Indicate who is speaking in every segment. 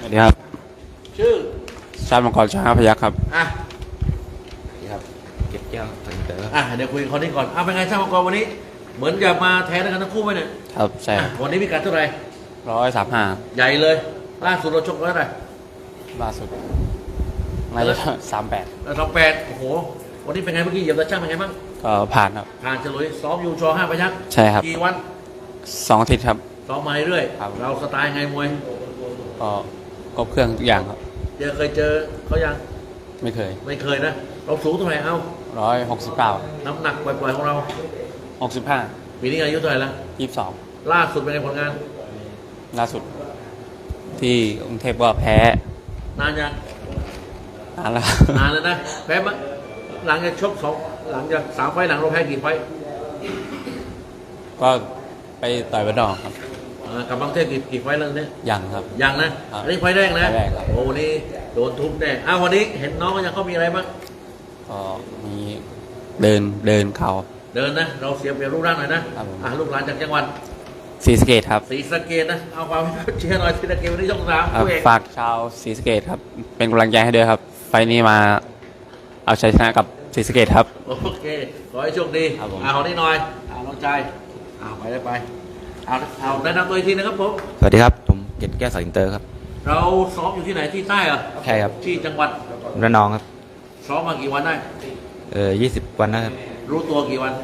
Speaker 1: วัสดีครับ
Speaker 2: ชื่อ
Speaker 1: ชาติมังกรช้างพยัคฆ์ครับ
Speaker 2: อ่ะ
Speaker 3: นี่ครับเก็บแก้วถึงเต๋อ
Speaker 2: เดี๋ยวคุยกับคนนี้ก่อนเป็นไงช่างมังกรวันนี้ เหมือนจะมาแทนกันทั้งคู่ไหมเนี่ย
Speaker 1: ครับใช่ครับ
Speaker 2: วันนี้มีการเท่าไหร่
Speaker 1: 135
Speaker 2: ใหญ่เลยล่าสุดเราชกไว้เท่าไหร่
Speaker 1: ล่าสุดน่าจะ38
Speaker 2: 28โอ้โหวันนี้เป็นไงเมื่อกี้เหยียบตาช่างเป็นไงบ้าง
Speaker 1: ก็ผ่านครับ
Speaker 2: ผ่านฉลุยซ้อมอยู่ช5พยัคฆ์
Speaker 1: ใช่ครับ
Speaker 2: กี่วัน
Speaker 1: 2 อาทิตย์ครับ
Speaker 2: ซ้อมมาเรื่อย
Speaker 1: ครับ
Speaker 2: เราสไตล์ไงมวย
Speaker 1: ก็ครบเครื่องทุกอย่างครับ
Speaker 2: เคยเจอเขายัง
Speaker 1: ไม่เคย
Speaker 2: นะเราสูงเท่าไหร่
Speaker 1: 169
Speaker 2: น้ำหนักปล่อยๆของเรา
Speaker 1: 65
Speaker 2: ปีนี้อายุเท่าไหร่ละ
Speaker 1: 22
Speaker 2: ล่าสุดเป็นไงผลงาน
Speaker 1: ล่าสุดที่กรุงเทพก็แพ้
Speaker 2: นานยัง
Speaker 1: นานแล้ว
Speaker 2: นานแล้วนะแพ้มาหลังจากชกหลังจาก3 ไฟล์หลังเราแพ้กี่ไฟล์
Speaker 1: ก็ไปต่อยบันดอกครับ
Speaker 2: กับบางเทพกี่ไฟล์แล้วเนี่ย
Speaker 1: ยังครับ
Speaker 2: ยังนะอันนี้ไฟล์แรกนะโอ้วันนี้โดนทุบแน่วันนี้เห็นน้องก็ยังเขามีอะไรบ้าง
Speaker 1: ก็มีเดินเข่า
Speaker 2: เดินนะเราเสียเปรียบรูปร่างหน่อยนะลูกหลานจากจังหวัด
Speaker 1: ศรีสะเกษครับ
Speaker 2: ศรีสะเกษนะเอาความเชียร์หน่อยศรีสะเกษวันนี้ช่อง3
Speaker 1: ฝากชาวศรีสะเกษครับเป็นกำลังใจให้ด้วยครับไฟล์นี้มาเอาชัยชนะกับศรีสะเกษครับ
Speaker 2: โอเคขอให้โชคดีขอนี้หน่อยน้องชายไปเอาแนะนำตัวอีกทีนะครับผม
Speaker 3: สวัสดีครับผมเก็บแก้วสายอินเตอร์ครับ
Speaker 2: เราซ้อมอยู่ที่ไหนที่ใต้เหรอ
Speaker 3: ใช่ครับ
Speaker 2: ที่จังหวัด
Speaker 3: ระนองครับ
Speaker 2: ซ้อมมากี่วันได้
Speaker 3: 20 วันนะครับ
Speaker 2: รู้ตัวกี่วัน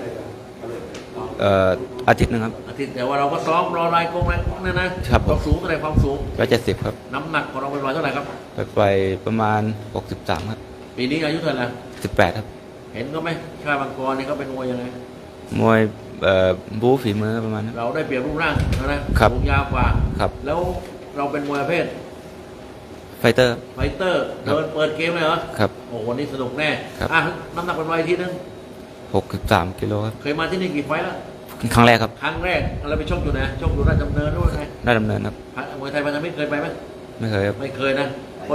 Speaker 3: อาทิตย์นึงครับ
Speaker 2: อาทิตย์แต่ว่าเราก็ซ้อมรอรายกงนั่นนะครับความสูงเท่าไหร่ความสูง
Speaker 3: 170ครับ
Speaker 2: น้ำหนักของเราเป็นเท่าไหร่ครับ
Speaker 3: ไปประมาณ63ครับ
Speaker 2: ปีนี้อายุเท่าไหร่
Speaker 3: 18ครับ
Speaker 2: เห็นก็ไหมชาติมังกรนี่เขาเป็นมวยยังไง
Speaker 3: มวยบู๊ฝีมือประมาณนั้น
Speaker 2: เราได้เปรียบรูปร่างนะครับสูงยาวกว่า
Speaker 3: ครับ
Speaker 2: แล้วเราเป็นมวยประเภท
Speaker 3: ไฟเตอร์
Speaker 2: เดินเปิดเกมเลยเหรอ
Speaker 3: ครับ
Speaker 2: โอ้วันนี้สนุกแน่น้ำหนักเป็นไวทีนึง
Speaker 3: 63 กิโลครับ
Speaker 2: เคยมาที่นี่กี่ไฟแล้ว
Speaker 3: ครั้งแรกครับ
Speaker 2: ครั้งแรกเราไปชกอยู่นะชกอยู่ราชดำเนินด้วยไง
Speaker 3: ราชดำเนินครับ
Speaker 2: มวยไทยพันธมิตรเคยไปไหม
Speaker 3: ไม่เคยครับ
Speaker 2: ไม่เคยนะคน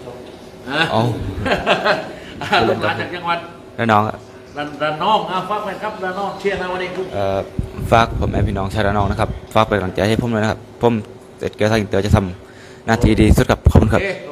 Speaker 2: ลูกหลานจากจังหวัด
Speaker 3: ระนองครับ
Speaker 2: ระนองฝากไปครับระนองเชียร์นะวันนี้คุณ
Speaker 3: ฝากผมแม่พี่น้องชาวระนองนะครับฝากเป็นกำลังใจให้ผมด้วยนะครับผมเสร็จเกลือทางอินเตอร์จะทำหน้าที่ดีสุดครับขอบคุณครับ